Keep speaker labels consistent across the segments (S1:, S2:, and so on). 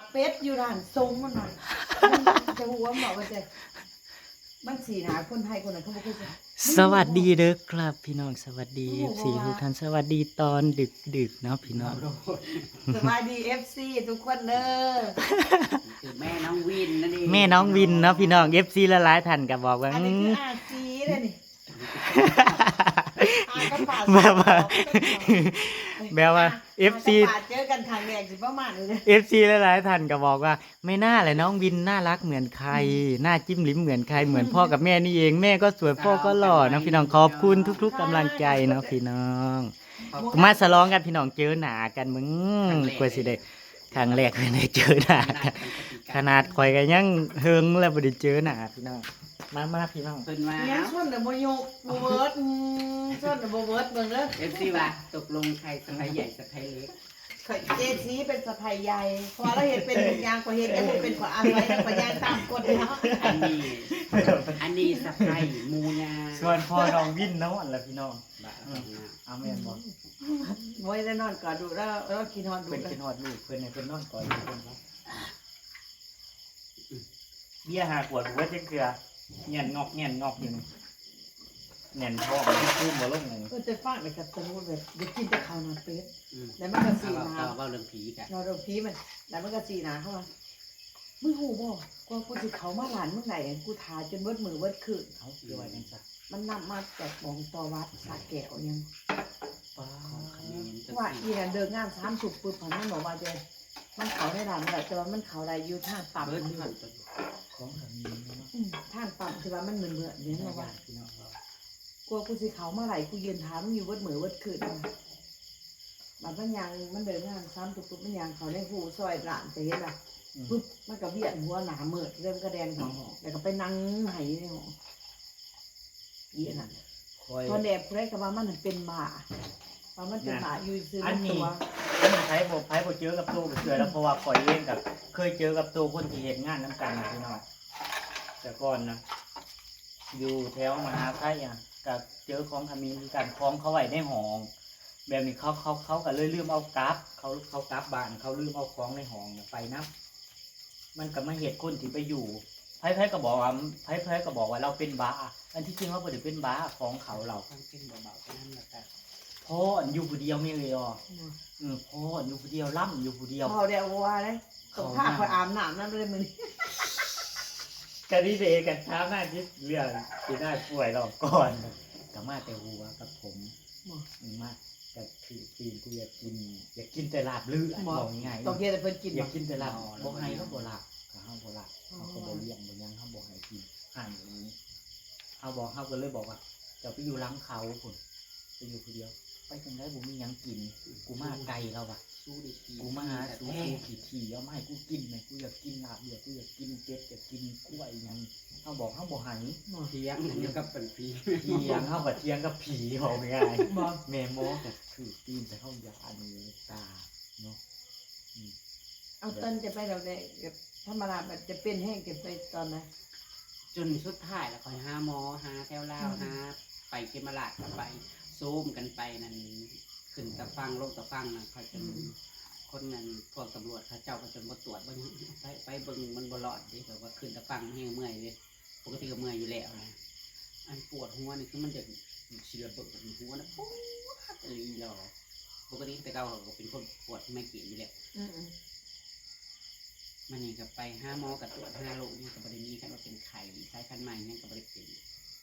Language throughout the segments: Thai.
S1: เป็ดอยู่ร้านทรงมันหน่อยจะหัวบอกว่าจะมันสีหนาคนไทยคนไหนเขาบอกว่า
S2: สวัสดีเด้อครับพี่น้องสวัสดี FC ทุกท่านสวัสดีตอนดึกๆเนาะพี่น้อง
S1: สวัสดี FC ทุกคนเด้อ
S3: คือแม่น้องวินนั่นเอง
S2: แม่น้องวินเนาะพี่น้อง FC ละหลายท่านก็บอกว่า
S1: อันนี้คืออาจีเลยนี่อาก็ป่า
S2: แบบว่า FC
S1: เจอกันครั้งแรกสิประมาณนี้
S2: FC ละหลายท่านก็บอกว่าไม่น่าเลยน้องวินน่ารักเหมือนใครหน้าจิ้มลิ้มเหมือนใครเหมือนพ่อกับแม่นี่เองแม่ก็สวยพ่อก็หล่อนะพี่น้องขอบคุณทุกๆกำลังใจเนาะพี่น้องมาฉลองกันพี่น้องเจอหน้ากันมึงกว่าสิได้ครั้งแรกไม่ได้เจอหน้ากันขนาดข่อยก็ยังเฮิงแล้วบ่ได้เจอหน้าพี่น้องมาพี่น้อง
S3: เพิ่นว่า
S1: เนี่ยส่วนเดบโยกโบเวิร์ดส่วนเดบเวิร์ดเบิ่งเด้อ
S3: เอฟซีว่าตกลงใครสะพ้ายใหญ่สะพ้ายเล็ก
S1: เจซีเป็นสะพายใหญ่พอเราเห็นเป็นยางกว่าเห็นยังเป็นกว่าอะไรกว่ายางตามกฎเนาะ
S3: อันนี้สะพ้ายมูยา
S2: ส่วนพ่อน้องวินเนาะล่ะพี่น้อง
S3: บ้า
S2: เอาแม่นบ่
S1: โว้ยได้นอนก่อนดูแล้วกินนอนดู
S2: เพิ่น
S1: กั
S2: เป็น นฮอดลูกเพิ่นให้เพิ่นนอนก่อนอยู่เพิ่นครับเบี้ยหาขวดหัวจังเกลือเงียนงอกอยู่นี่แน่นท้องมันคู้บ่ลงเลย
S1: ก็จะฟังไปกับสมมุติแบบเดี๋ยวกินแต่ข้าวนอนเป็ดแล้วมันก็
S3: เอา
S1: สีหนา
S3: เว้าเรื่องผีกัน
S1: นอนตรงพีมันแล้วมันก็สีหนาเข้ามามึงหูบ่กว่ากูสิเขามาหลานเมื่อไหร่กูทาจนเบิดมือเบิดคืน
S2: เขาคือว่าจังซั่น
S1: มันนำมาจากหมองตอวัดสาแก้วยัง
S2: ป้า
S1: ว่าอีนั่นเดินงาน3 สุกปุ๊บมันบอกว่าเจมันเขาได้หลานได้แต่ว่ามันเขาได้อยู่ทางต่ำ
S3: เบิด
S1: มัน
S3: ผ่าน
S2: ของสามีเนาะ
S1: ทางต่ำที่ว่ามันเหมือนเนี่ย
S2: พี่น้
S1: นะว่า
S2: องเรา
S1: กลัวกูสิเขามาไหลกูยืนถามอยู่วัดเหมือวัดคืนมันยังมันเดินงานซ้ำตุกมันยังเขาในหูซอยหลานจะเห็นป่ะปุ๊บมันก็เวียนหัวหนาเมิดเริ่มกระแดนของหอแล้วก็ไปนั่งไหในหอเยี่ยน่ะ
S2: คอย
S1: ตอนแดดเพลกับว่ามันเป็นบ้าว่ามันเป็นบ้าอยู่ซื้อมันตัว
S2: อันนี้ไผบ่เจอกับตัวก็เสือแล้วเพราะว่าข่อยเองกับเคยเจอกับตัวคนที่เฮ็ดงานนํกันนะพี่น้องแต่ก่อนนะอยู่แถวมหาไทยอ่ะก็เจอของขมิ้นกันของเขาไว้ในห้องแบบนี้เขาก็เลยลืมเอากลับเขากลับบ้านเขาลืมเอาของในห้องไปนับมันก็มาเหตุคนที่ไปอยู่ไผก็บอกว่าไผก็บอกว่าเราเป็นบ้าอันที่จริงเราบ่ได้เป็นบ้าของเขาเรา
S3: ต้องเป็นเบาๆก็นั่นแหละแต่
S2: พ่ออยู่ผู้เดียวไม่เลยอ่ะพ่ออยู่ผู้เดียวล่ำอยู่ผู้เดียว
S1: พอเดียวว่าเลยตกผ้าคอยอาบน้ำนั่นเลยมึง
S2: กันนี่เดกันเช้าหน้าที่เรื่องที่ได้ป่วยเราก่อนกับมาแต่หัวกับผมมาแต่ถือปีนกูอยากกินแต่ลาบเลือดบอกง่าย
S1: ต้องเย็นแต่เพิ่นกิน
S2: อยากกินแต่ลาบบอกให้เขาบอกลาบกับเขาบอกลาบเขาก็บอกเลี้ยงบอกยังเขาบอกให้กินห่างอย่างนี้เขาก็เลยบอกว่าจะไปอยู่ล้างเขาคนไปอยู่คนเดียวไปจังได้ผมมียังกินกูมาไกลแล้วว่ะ
S3: สู้ดิผี
S2: กูมาหาสูกูขี่เอามาให้กูกินไหมกูอยากกินลาบเดือดกูอยากกินเป็ดอยากกินกล้วยอย่างเขาบอกเขาบอกหาย
S3: เทียงเดียวกับเป็นผี
S2: เทียงเขาแบบเทียงกับผีบอกง่ายแม่โมกับถือตีนแต่เขาอยาอันนี้ตาเนาะ
S1: เอาต้นจะไปเราได้ธรรมดาแบบจะเป็นแห้งจะไปตอนไหน
S3: จนสุดท้ายแล้วคอยหาหมอหาแถวลาวหาไปเกมราชกันไปซูมกันไปนั่นขึ้นตะฟังลงตะฟังนะเขาจนคนนั้นพวกตำรวจเขาเจ้าก็จนมาตรวจบ่ยังไปเบิ่งมันบ่รอดดิแบบว่าขึ้นตะฟังให้เมื่อยเลยปกติก็เมื่อยอยู่แล้วนะอันปวดหัวนี่คือมันจะเฉียบเบิดหัวนะปวดอะไรหรอปกติแต่เก่าก็เป็นคนปวดไม่เกี่ยอยู่แล้วมันนี่ก็ไปห้าหมอกับตรวจ5 โรคนี่ก็บริมีกันว่าเป็นไข่สายพันธุ์ใหม่นี่ก็บริเป็น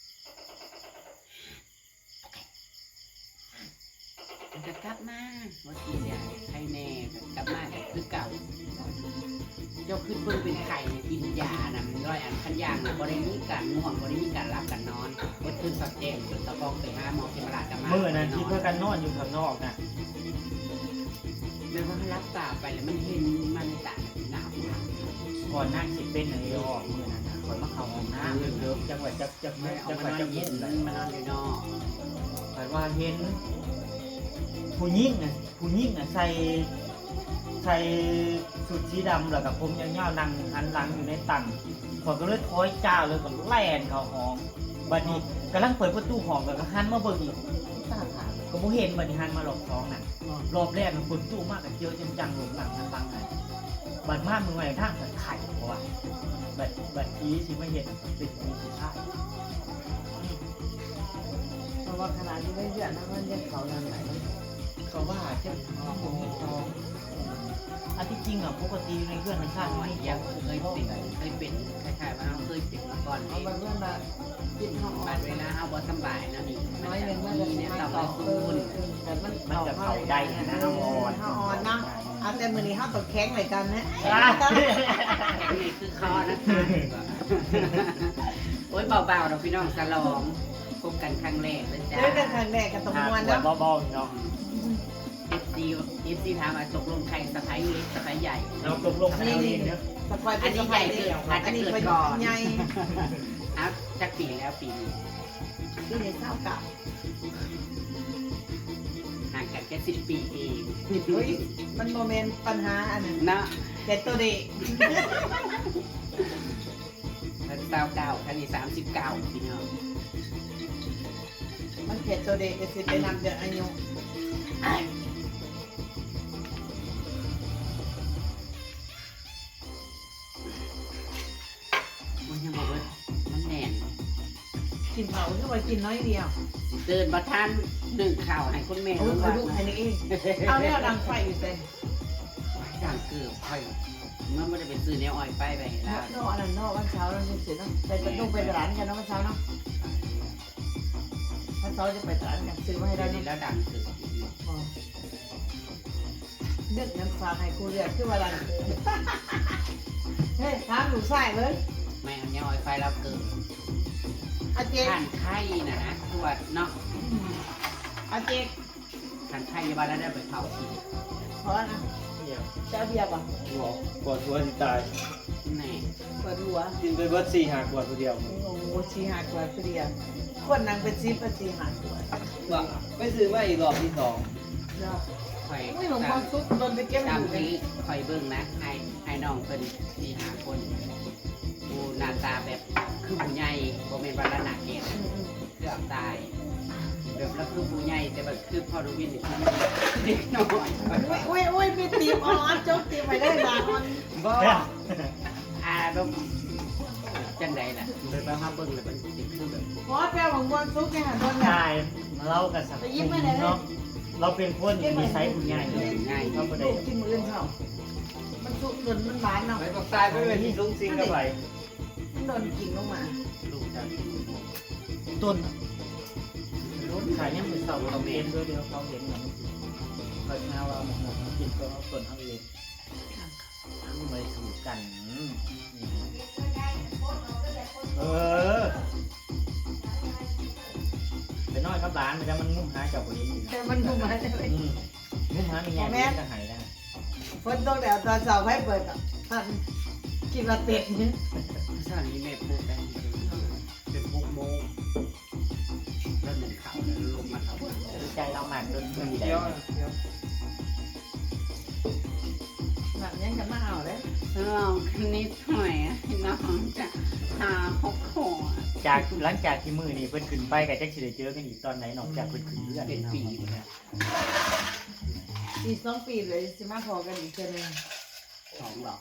S3: มันจะกลับมาว่ากินยาไข้แน่กลับมาคือเก่าเจ้าขึ้นเพิ่งเป็นไข่กินยานะมันร้อยอันขันยางบริมีการง่วงบริมีการรับการนอนวัดขึ้นสับแจงจนตะฟองไปห้าหมอที่ตลาดกันมา
S2: เมื่อนั้นที่เพื่อกันนอนอยู่ข้างนอกนะ
S3: เดี๋ยวมันรับตาไปแล้วมันเห็นมันตาหนาว
S2: ก่อนหน้าคิดเป็นอะไรออกเมื่อนั้นคอยมาเข้าห้องน้ำเลิกจังหวัดจังห
S3: ไม่
S2: วัด
S3: เอา
S2: จังห
S3: มา
S2: วัด
S3: นอน
S2: จังห
S3: เย็
S2: วั
S3: น
S2: ด
S3: มานอนอยู่นอก
S2: คอยว่าเห็นผู้หญิงน่ะใส่สุดสีดำแล้วกับผมยาวๆนั่งหันหลังอยู่ในตังข่อยก็เลยถอยจ้าเลยก็แล่นเข้าห้องบัดนี้กำลังเปิดประตูห้องก็หันมาเบิ่งอีกตาถามก็บ่เห็นบัดนี้หันมารอบ2น่ะรอบแรกมันฝนตู้มากกับเจียวจังๆหลงหลังหันหลังน่ะบัดมากมือใหม่ทางสันไข่เพราะว่าบัดทีที่ไม่เห็นเป็นมีสุภาพ
S1: เพราะว่าขนาดที่ไม่เชื่อนะมันยังเขานั่นไหน
S2: เขาว่าจะเอาผมมีทองอันที่จริงอ่ะปกติในเพื่อนในชาติ
S3: ไม่
S2: ไม่
S3: ยั
S2: ยัง ง
S3: เคยเป็นคล้ายๆว่าเราเคยเป็นมาก่อน
S1: เอา
S3: นี่
S1: ไปเพื่อนมากินห้อง
S3: บัดเวลาเฮาบ่สบายนะนี่
S1: น้อยหนึ่ง
S3: มั
S1: มัน น
S3: จะ
S1: จะ
S3: มีเนี่ย
S1: มา
S3: ตับ
S1: ต่อ
S3: ซู
S1: คื
S3: น
S1: นแต่มัน
S2: มันจะเข้าได้นะ
S1: ห้า
S2: อ่อน
S1: ห้าออนนะเอาแต่มือนี้ห้าตกแข็งเลยกันนะ
S3: นี่คือคอนะคะโอ้ยเบาๆเราพี่น้องสลองพบกันครั้งแรกเลยจ้า
S1: เรื่องกันครั้งแรกกับตรงมวน
S2: แล้
S1: นะ
S2: วเบาๆเนาะ
S3: FC ถามว่าตกลงใครสะพ้ายเล็กสะพ้ายใหญ่
S2: เราตกลงกันเอาเองเนาะ
S1: สปอยเป็นสปอยเดียวอันนี้เป็นใหญ่
S3: ครับจักปีแล้วปีนี้
S1: ที่ในเศร้ากับ
S3: ห่างกันแค่10 ปีเอง
S1: เฮ้ยมันโมเมนต์ปัญหาอันนั้น
S3: นะ
S1: แต่ตัวเด็ก
S3: ท่าน29ท่านนี้39พี่น้อง
S1: มันเขียนตัวเด็กจะสิไปนำเดือนอายุ
S3: มันยังบอกว่ามันแน่น
S1: กินเผาก็ไปกินน้อยเดียว
S3: เดินมาท่านหนึ่งข่าวให้คุณแม่
S1: โอ้ย
S3: รู้
S1: เขา
S3: ว่า
S1: ดูอันนี้เองเอาเนี่ยดังไฟอยู่เต็ม
S3: ดังเกือบค่อยเมื่อไม่ได้ไปซื้อเนี้ยอ้อยไปไปแล้ว
S1: นอกอันนั้นนอกวันเช้าเราเสร็จเนาะไปต้องไปตลาดกันเนาะวันเช้าเนาะวันเช้าจะไปตลาดกันซื้อมาให้ได้
S3: เดี๋ยวนี้
S1: เนาะ
S3: แล้วดังเกือบ
S1: เลือกเงินฝากให้ครูเรียกคือว่าดังเฮ้ยถามหนูใส่เลย
S3: ไม่เอาเนี้ยอ้อยไปแล้วเกือบ
S1: อาเจ๊
S3: ท่านไข่นะตรวจเนาะ
S1: อาเจ๊
S3: ท่านไข่ยาบาลแล้วได้ไปเผาที
S1: เพราะนะ
S2: เนี่ย
S1: เจ้าเบียร์ป่ะ
S4: บอกปวดหัวที่ตาย
S3: แน่
S1: เปิดหัว
S4: กินไปเบิด4 หากวดคนเดียว
S1: โอ้โหชีหาตัวเดียวคนนางเป็นซีเป็นชีหาตัว
S4: ว่าไปซื้อมาอีกรอบที่ 2
S1: เนาะ
S3: ค่อย
S1: ไม่หลงความซุกโดนไปเก็บอ
S3: ตาม
S1: ยู่เลย
S3: ที่ค่อยเบิ่งนะไอ้น้องเป็นที่หาคนดูหน้าตาแบบคือผู้ใหญ่โมเมนต์วันละหนักเกศเกือบตายแบบแล้วคือผู้ใหญ่แต่แบบคือพอดูวินนี่คือเด็กน้อย
S1: อุ้ยมีตีมออนจกตีมไปได้บางออน
S3: บ่แบบจังใดล่ะเลยไปหาเบิ่งเลยมันสิคือแบบ
S1: เพราะแปลของความซุกเนี่ยโดนแบบ
S2: ใช่เล่ากันสักเนาะเราเป็นคนมีไซส์คุณใหญ่
S3: ง่าย
S2: เราไม่ได้
S1: ลูกกินมือเขามันซุกจนมันหวานเนาะ
S4: ไปก็ตายไปเป็นที่ลุงซิงกับไป
S1: มันโดนกินลงมา
S3: ลูกจะกิน
S2: ต้นรถขายยังเป็นเสาเราเองด้วยเดียวเขาเห็นอย่างนี้เขาเช้าว่ามันกินก็เอาต้นเขาเองไม่ถูกกันเออไปน้อยครับร้านมันจะมันงุ่มหาเจ้าคนนี้อยู่
S1: แต่มันดูมาได้เลย
S2: งุ่มหามีแง่ก็หายได้
S1: ฝนตกแล้วตอนเสาร์ให้เปิดอ่ะท่านกินละเป็ดเนี่ย
S3: สถานีแม่พูดได้เป็น6 โมงแล้วหนึ่งข่าวแล้วลงมาข่าว
S2: ใจเราหมันจนไม่ได้
S4: เที่ยว
S1: หนักยังกันมาเอาเลย
S3: ลองคณิตหน่อยน้องจะหา6 ขวด
S2: จากหลังจากที่มือนี่เพิ่นขึ้นไปกับแจ็คสิได้เจอกันอีกตอนไหนนอกจากเพิ่นขึ้นเพื่อน
S3: เป็นปีเนี่ย
S1: ปี2 ปีเลยสิมาพอกันอีกเทื่อนึง
S3: 2 ดอก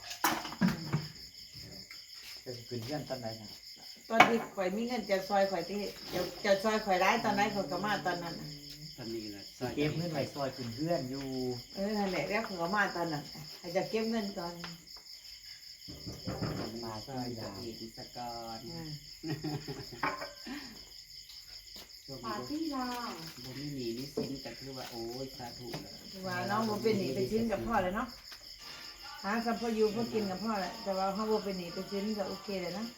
S2: จะขึ้นเพื่อนตอนไหนนะ
S1: ตอนที่ข่อยมีเงินจะซอยข่อยที่จะซอยข่อยได้ตอนนั้นข่อยก็มาตอนนั้นน่ะ
S3: ตอนนี้นะ
S2: เก็บเงินไว้ซอยขึ้นเพื่อนอยู่
S1: นั่นแหละแล้วข่อยก็มาตอนนั้นให้จะเก็บเงินก่อน
S3: มาซอยจากอีกสกอน
S1: ปาร์ตี้ลา
S3: บ่มีหนีมีสินก็คือว่าโอ้ยสาธุแล้ว
S1: ว่าน้องบ่เป็นหนีไปชิ้นกับพ่อเลยเนาะหาสัมพอยู่พอกินกับพ่อแหละแต่ว่าเขาบ่เป็นหนีไปชิ้นก็โอเคเลยนะ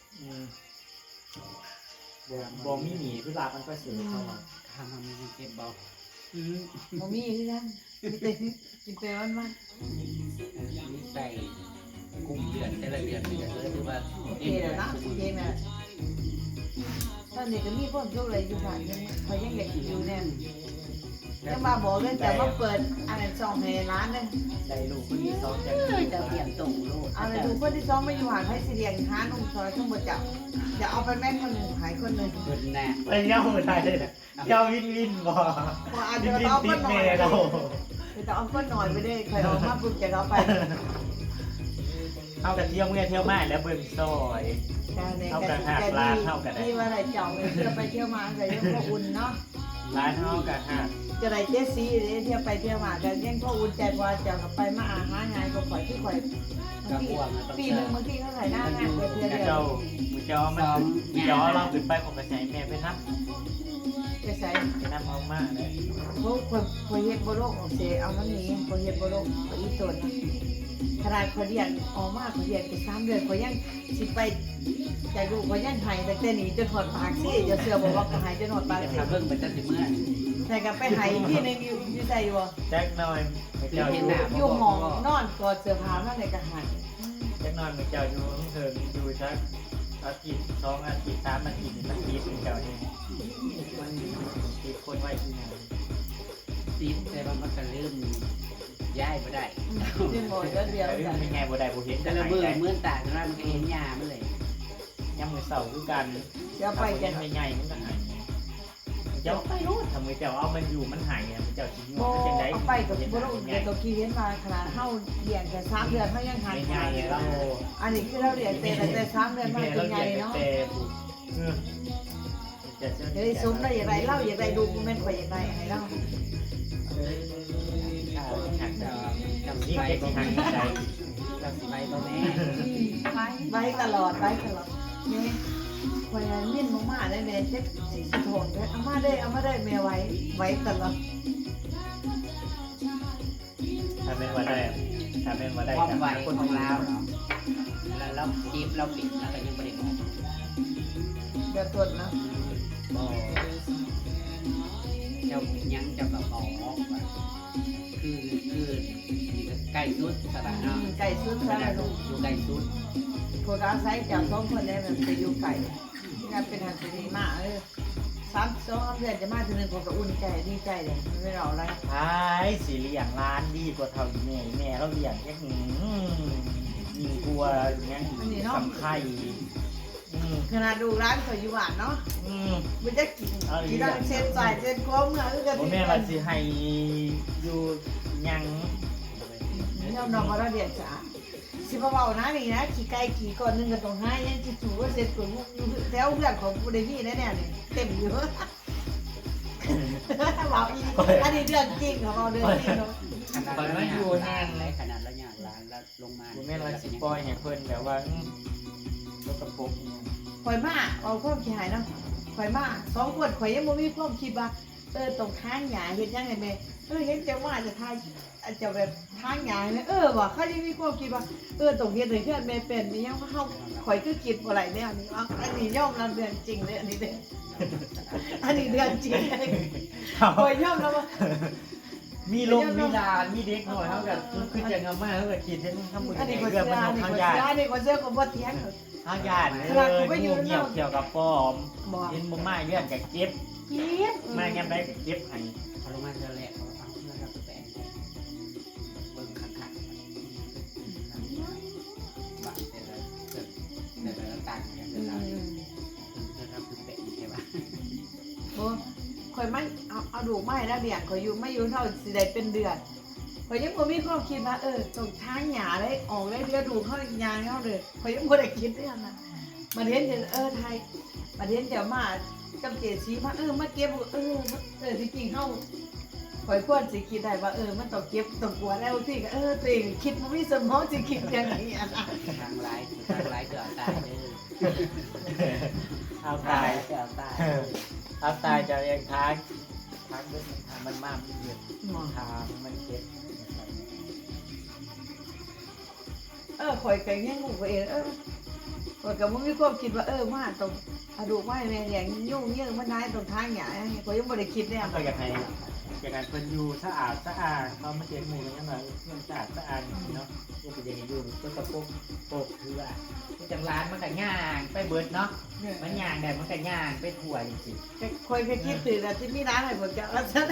S2: บ่มีหนีเวลามันก็เสียเข้ามา
S3: ทำมันมีเก็บเบา
S1: บ่มีที่นั่นมีแต่กินไปวัน
S3: นี่ใส่กุ้งเดือนแต่ละเดือนนี่ก็คือว่า
S1: ๆโอเคแล้วนะโอเคน่ะตอนนี้ก็มีคนทุกเลยอยู่บ้านยังเขายังอยากอยู่แน่ยังมาบอกเรื่องจะมาเปิดอันนั้นช่องให้ร้านเลย
S2: ได้ลูกคนที่สองจาก
S3: จะเปลี่ยนตรงโลด
S1: เอาเลยดูคนที่สองมาอยู่หาให้สิเรียงหานุ่งซอยทั้งหมดจับจะเอาไปแม่คนหนึ่งหายคนหนึ่ง
S3: เพิ่นแน่
S2: ไปเย้าไม่ได้เลยนะเย้าวินวินบ่
S1: พออาจ
S2: วิ
S1: จะ
S2: นวิน
S1: เอา
S2: ติ
S1: ก็
S2: ด
S1: หน่
S2: แม่
S1: อย
S2: เรา
S1: จะเอาก็หน่อยไปได้ใครเอามาปุ๊บจะเอาไป
S2: เอากระเที่ยวเมื่อเที่ยวมาแล้วเบิ่งซอย
S1: การใน
S2: เอา
S1: ก
S2: กระหักร้านเท่ากันได้
S1: ที่ว่าอะไรเจ้าเที่ยวไปเที่ยวมาก็ยังพออุ่นเนาะ
S2: ร้านเท่ากันหัก
S1: จะได้เจซีเที่ยวไปเที่ยวมาก็ยังพออุ่นใจกว่าเจ้ากับไปมาอาหางานก็ข่อยที่ข่อยปีนึงบางทีเขาใส่หน้างานไปเที่ยวเดียว
S2: เจ้ามือเจ้ามันย้อเราขึ้นไปของกระแสแม่ไปนับ
S1: จะใส่
S2: ไปนับเอามากเลย
S1: พวกคนเฮ็ดบ่โลกออกเสียเอามันนี้คนเฮ็ดบ่โลกอีตนขนาดเขาเรียนออกมาเขาเรียนไป3 เดือนเขายังสิไปใจลูกเขายังหายแต่หนีจนหอดปากซี่จะเสือบอกว่าก็หายจนหอดปาก
S3: จะ
S1: ซี่
S3: ทำเรื่องเป็นตั้งแต่เมื่อ
S1: แต่ก็ไปหายที่นึงอยู่ใส่บ่
S2: แจ็คหน่อยมือเจ้าอยู่
S1: อยู่หมองนอนกอดเสื้อผ้ามาในกระหัน
S2: แจ็คหน่อยมือเจ้าอยู่เถิงอยู่สักอาทิตย์2 อาทิตย์3 อาทิตย์มันคิดมือเจ้าเองมันคิดคนไว้ที่ไหน
S3: ติดแต่ว่ามันก็เริ่มย้ายไม่ได้
S1: ที่หมอเดียว
S2: แต่
S1: กัน
S2: เป็นไงบ่ได้บ่เห็น
S3: แต่
S2: แต่
S3: ละ
S2: ละ
S3: มื
S2: มื
S3: อ
S2: อ
S3: เมื่อตาแต่ละมันก็เห็นยามันเลย
S2: ยามมือเสาคือกัน
S1: เดี๋ยวไปกัน
S2: ไม่ใหญ่มันก็หายเจ้าไปรู้ทำไมเจ้าเอามันอยู่มันหายเนี่ยมันเจ้าสิง
S1: โบ
S2: มันจังได๋
S1: เอาไปกับบ่รู้เดี๋ยวตัวกี้เห็นมาขนาดเฮาเลี้ยงแค่3 เดือนเฮายังหาย
S2: ไม่ใหญ่เรา
S1: อันนี้คือเราเลี้ยงแต่3 เดือนมาเป็นใหญ่เนาะ เฮ้ยซุ้มได้อย่างไรเล่าอย่างไรดูกูแม่นกว่าอย่างไรให้เล่า
S2: หัก
S3: จะ
S2: จำ
S3: จำ
S2: ที่
S3: ไป
S2: เก็บ
S3: บ่
S2: ที่หั
S3: แม่
S2: กใจ
S3: จำไปบ่แม่
S1: ไว้ตลอดนี่พยายามมิ่นมากๆเลยแม่เจ็บสิโถนเลยเอามาได้แม่ไว้ตลอด
S2: ถ้าเป็นว่าได้ถ้าเป็นว่าได้
S3: ความ
S2: กับ
S3: ไหว
S2: คน
S3: ของเราเนาะแล้วเราจีบเราปิดแล้วก็ยังไม่ได้บอก
S1: เดือดต้นนะ
S3: บอกเจ้ายังจะแบบบอกว่าคือใกล้สุดสถานะ
S1: ไก่ซุด
S3: ข
S1: ซะ
S3: นาด
S1: ลูก
S3: อยู่ใกล้สุด
S1: คนอาศัยจากท้องคนนี้มันไปอยู่ไก่งานเป็นหันเป็นดีมาก3 เดือนจะมาทีนึงผมก็อุ่นใจดีใจเลยไม่รออะไร
S2: ท้ายสีเลี้ยงร้านดีกว่าเท่าแม่แม่เราเลี้ยงแค่ยิงกลัวอย่างเงี้ยสำไข่
S1: ขนาดดูร้านเขาอยู่บ้านเนาะมันจะกินได้เส้นใส่เส้นโค้งเมื่อคือกัน
S2: ผมแม่เราสิให้อยู่ยัง
S1: เนี่ยน้องมาเรียนจ้ะสิบ่เว้านะนี่นะขี่ไก่ขี่ก่อนนึงก็ต้องให้ยังสิถูว่าเสร็จกูแถวเพื่อนของกูได้มีแน่ๆนี่เต็มอยู่เว้าอีอันนี้เรื่องจริงของเราเรื่องจริงเนาะ
S3: ขนาดเราอยู่นานเลยขนาดเราอยากร้านแล้วลงมา
S2: ผมแม่เราสิปล่อยให้เพิ่นแบบว่าก็กระปุก
S1: ข่อยมาเอาความขี้หายเนาะข่อยมา2 คนข่อยยังบ่มีความคิดว่าตรงทางหญ้าเฮ็ดจังได๋แม่เห็นจังว่าจะทายจะแบบทางหญ้าแม่ว่ะเขายังมีความคิดว่าตรงเฮ็ดให้เพื่อนแม่เป็นนี่ยังเฮาข่อยคือคิดบ่ไหลแนวนี้ว่าอันนี้ยอมรับเรื่องจริงเลยอันนี้เด้ออันนี้เรื่องจริงข่อยยอมรับว่า
S2: มีลมมีลานมีเด็กหน่อยเท่ากับคือจะงามมากเท่ากับคิดเห็นทำมือ
S1: อันนี้
S2: เรื่
S1: ก็
S2: อง
S1: เสื้
S2: มัน
S1: ออันนี้
S2: ทาง
S1: ก็
S2: ญา
S1: เสื้อ
S2: ติ
S1: อันนี้ก็เสื้อก็บ่เถียง
S2: ทางญาติงูเงียบเกี่ยวกับป้อม
S1: บ่
S2: เห็นบ่มาเรื่องกับเก็บ
S1: เจี๊ยบ
S2: มาแง่ได้กับเก็บให้
S3: เขาลงมาเจอแรกเขาเอาเพื่อนเราไปแปลงเบิ่งคักๆบางแต่ละต่างกันแต่ละเราคือแปลงใช่ปะ
S1: โอ้ข่อยไม่เอาดูไม่แล้วเลี้ยงข่อยอยู่ไม่อยู่เท่าสิได้เป็นเดือนข่อยยังบ่มีความคิดว่าตรงทางหญ้าได้ออกได้เดือดูเข้ายางเฮาเลยข่อยยังบ่ได้คิดเรื่องนั้นมาเห็นไทยมาเห็นเดี๋ยวมากับเจสีมามาเก็บที่จริงเฮาข่อยควรสิคิดได้ว่ามันต้องเก็บต้องกลัวแล้วที่ก็ตัวเองคิดบ่มีสมองสิคิดอย่างนี้อ่ะ
S3: ทางไลฟ์เกิดตายเลย
S2: เอา
S3: ตา
S2: ตาย ย
S3: เกิดตาย
S2: เอาตายจะเรียงทางเรื่องทางมันมากมันเดือดทางมันเก็บ
S1: ข่อยก็ยังงูเองข่อยก็บ่มีความคิดว่ามาต้องอะดูไว้แม่อย่างยุ่งเยอะมันนายตรงทางหญ้าข่อยยังบ่ได้คิดเนี่ย
S2: ก็อยากให้เพิ่นอยู่สะอาดเขามาเก็บหมู่ยังไงเรื่องสะอาดเนาะก็เป็นอย่างนี้อยู่ก็กระปุกโปกคือว่าจังร้านมันก็ย่างไปเบิดเนาะมันย่างได้มันก็ย่างไปทั่วจริง
S1: ข่อยก็คิดถึงแต่ที่มีร้านให้ผมจะเอาซะ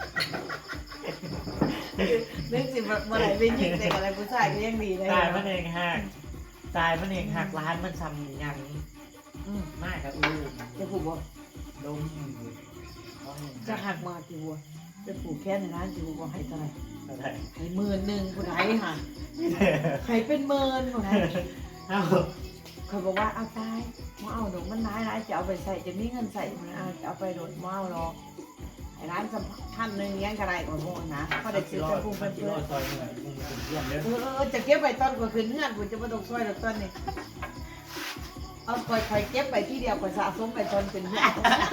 S1: นึกสิบ่ได้ไปยิงแต่อะไรผู้ชายก็ยังดีเลย
S2: ตายมันเองหักร้านมันซ้ำยังมากครับ
S1: จะผูกบ่
S2: ดม
S1: จะหักมาที่บัวจะผูกแค่ในร้านที่บัวให้เท่าไหร่
S2: เอะไร
S1: ให้10,000ผู้ใดค่ะให้เป็นหมื่นผู้ใด
S2: เอ้า
S1: เขาบอกว่าเอาตายมาเอาดอกมันร้ายจะเอาไปใส่จะมีเงินใส่มันจะเอาไปโดดมาเอาหรอกไอ้ร้านสัมพันธ์หนึ่งเลี้ยงกระไรก่อนโง่นะเขาได้ซื้อจะพุ่งเป็นเพื่อน
S2: ซอยเหนื่อยมึงเป็นเพื่อนเด้อ
S1: จะเก็บไปตอนกว่าคืนเงื่อนกูจะมาตกซอยดอกต้นนี่เอาคอยเก็บไปที่เดียวคอยสะสมไปตอนเป็นเงื่อน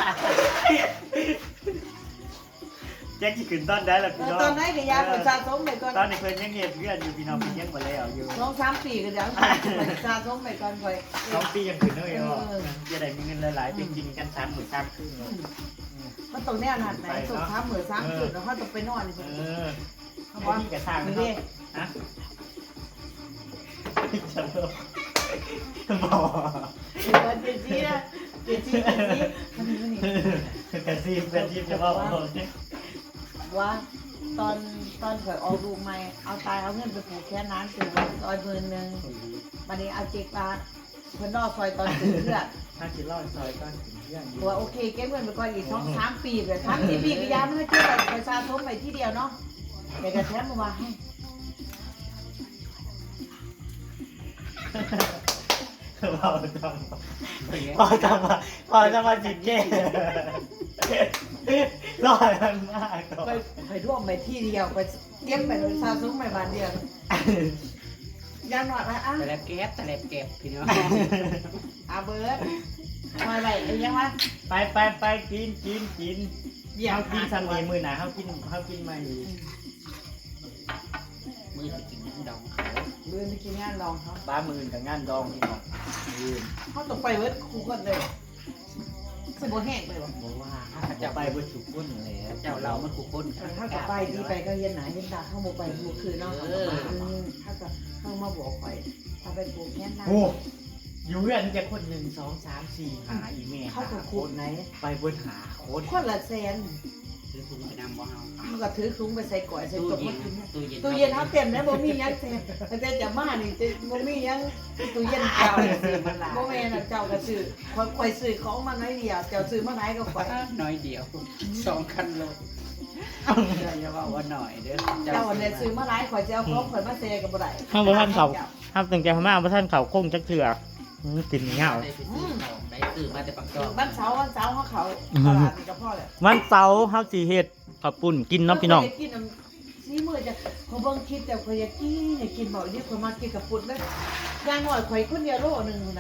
S2: แจ็คที่ขึ้นต้นได้แล้วพี่น้อง
S1: ตอนไหนก็ยาคอยสะสมไปก่อน
S2: ตอนนี้เพิ่นยังเห็นเพื่อนอยู่พี่น้องเพิ่นยังบ่แล้วอยู่
S1: 2-3 ปีก็เดี๋ยวสะสมไปก่อนคอย
S2: 2 ปียังขึ้นเลยอ๋อจะได้มีเงินหลายๆไปกินกัน3 มื้อ3คืน
S1: มันตรงแน่นหันไหนส่ง3 มื้อ3 คืนแล้วเขาต้องไปนอนนี่
S2: เขาบอกนี่กระสร้างนะ
S1: นี่
S2: ฮะฉันบอก
S1: เจจี้นะเจจี้มันนี่
S2: กระซีบเป็นทีมจะบอก
S1: ว่าตอนข่อยออกลูกใหม่เอาตายเอาเงินไปผูกแค่นั้นคือ100,000วันนี้เอาเจ็กบาทเพิ่นรอซอยตอนถึงเพื่อน
S2: ถ้าคิดรอดซอยก้อนถึงเพื่อน
S1: ว่าโอเคเก็บเงินไปก่อนอีก2-3 ปีแบบ3-4 ปีก็ยาไม่ให้เก็บไปสะสมไปที่เดียวเนาะแต่กระแทกมาว่าให้
S2: พอจะมาจิตเย่รอดมันมากก่อน
S1: ไปร่วมไปที่เดียวไปเก็บไปสะสมไปบ้านเดียวยังหน่อยนะอ่ะ
S3: แต่แลบเก็บพี่น้อง
S1: อาเบิร์ดมาไหนยังวะ
S2: ไปกินเขากินซัมมีมือหนาเขากินมาอยู่
S3: มือจะกินน้ำดองเขา
S1: เบิร์ดไปกินงานลองเขา
S2: บ้ามือกับงานดองพี่น้องมือ
S1: เขาต้องไปเบิร์ดคู่กันเลยสมบูรณ์แห้งเลยวะ
S2: บอกว่าถ้าจะไปบนสุกุนเลย
S3: เจ้าเรามันขู่คน
S1: ถ้ากับไปดีไปก็เย็นหนาเย็นตาเข้ามาไปบุกคืนเนาะถ้ากับเข้ามาบอกไปถ้าไปปลูกแค่นั้น
S2: โอ้อยู่เพื่อนจะคน1 2 3 4หาอีเมล
S1: เขากับขูดไหน
S2: ไปบนหาโค้ด
S1: คนละแสน
S3: ซื้อถุงไปนำบ่เฮา
S1: มันก็ถือซุ้งไปใส่ก่อยใส่
S3: ตู้
S1: ตก
S3: เย็
S1: มาน กิน
S3: ตู้เย็น
S1: ตู้เย็นเขาเต็มแล้วบ่มียังเต็มแต่จะมานี่จะบ่มียังตู้เย็นเก่าบ่แม่นเจ้าก็ซื้อข่อยซื้อของมาน้อยเดียวเจ้าซื้อมาไหนก็ข่อย
S3: น้อยเดียว2 คันโลอย่าว่าว่าหน่อยเด้อ
S1: เจ้าเนี่ยซื้อมาหลายข่อยจะเอาของข่อยมาเซกับบ่ได้
S2: ข้างบนท่านเขาห้ามตั้งใจมากเพราะท่านเขาคงจักเถื่อกินเงา
S3: ได้ไปซื้อของได้ซื้อมาแต่ปักจอง
S1: บ้านเสาเขาตลาดนี่ก็พอแล้ว
S2: วันเสาร์เฮาสิเฮ็ดข้าวปุ้นกินเนาะพี่น้อง
S1: กินซีมื้อจะเขาเบิ่งคลิปแต่ข่อยอยากกินบ่อีนี่ข่อยมากินกับปุดเลยอย่างน้อยข่อยคนเดียวโลนึงอยู่ไหน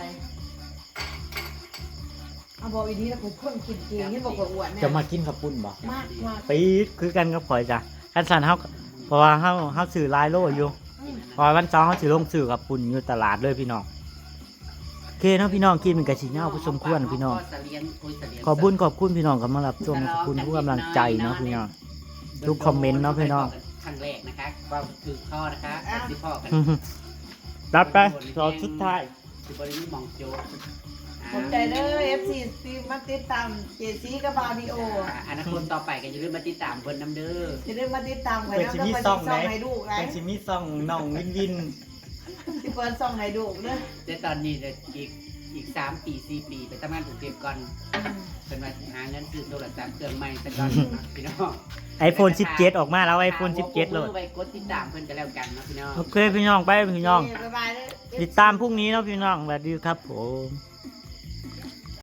S1: เอาบอกอีนี้แล้วข่อยคนกินเก่งเห็นบอกข่อยอ้วนเนี่ย
S2: จะมากินข้าวปุ้นบ่
S1: มากมาก
S2: ปีดคือกันกับข่อยจ้ะคันสันเฮาเพราะว่าเฮาซื้อหลายโลอยู่เพราะว่าวันเสาร์เฮาสิลงซื้อข้าวปุ้นอยู่ตลาดเลยพี่น้องโอเคเนาะพี่น้องกินมันก็สิเหงาผู้สมควรพี่น้องขอบคุณพี่น้องกำลังรับชมขอบคุณทุกกำลังใจเนาะพี่น้อง ทุกคอมเมนต์เนาะพี่น้อง
S3: ครั้งแรกนะคะความคือข้อนะคะสิพ่อกัน
S2: รับไปรอชุดท้าย
S3: คือบริมีมองโจ
S1: ขอบใจเด้อ FC ที่มาติดตามเจซีกับบาดิโอ
S3: อนาคตต่อไปก็อย่าลืมมาติดตามเพิ่นน้ำเด้อ
S1: จะได้มาติดตามไว้
S2: เป็น
S1: นะ
S2: สิ
S1: ก็
S2: มี
S1: ไป
S2: ซ่
S1: ซ่
S2: อ
S1: อง ง
S2: ไหน
S1: ให้ดูไง
S2: เป็นสิมีซ่องน้องวิน
S1: ที่เปิดซ่องให้ดูเด้อ
S3: แต่ตอนนี้เดี๋ยวอีก3 ปี 4 ปีไปทำงานกรุงเทพก่อนเป็นมาหาเงินซื้อโทรศัพท์เครื่องใหม่สักก่อนพี่น้อง
S2: iPhone 17 ออกมาแล้ว iPhone 17เลย
S3: ไปกดติดตามเพิ่นกันแล้วกันนะพี่น้อง
S2: โอเคพี่น้องไปพี่น้อง
S1: บ๊ายบายเด้อ
S2: ติดตามพรุ่งนี้เนาะพี่น้องสวัสดีครับผม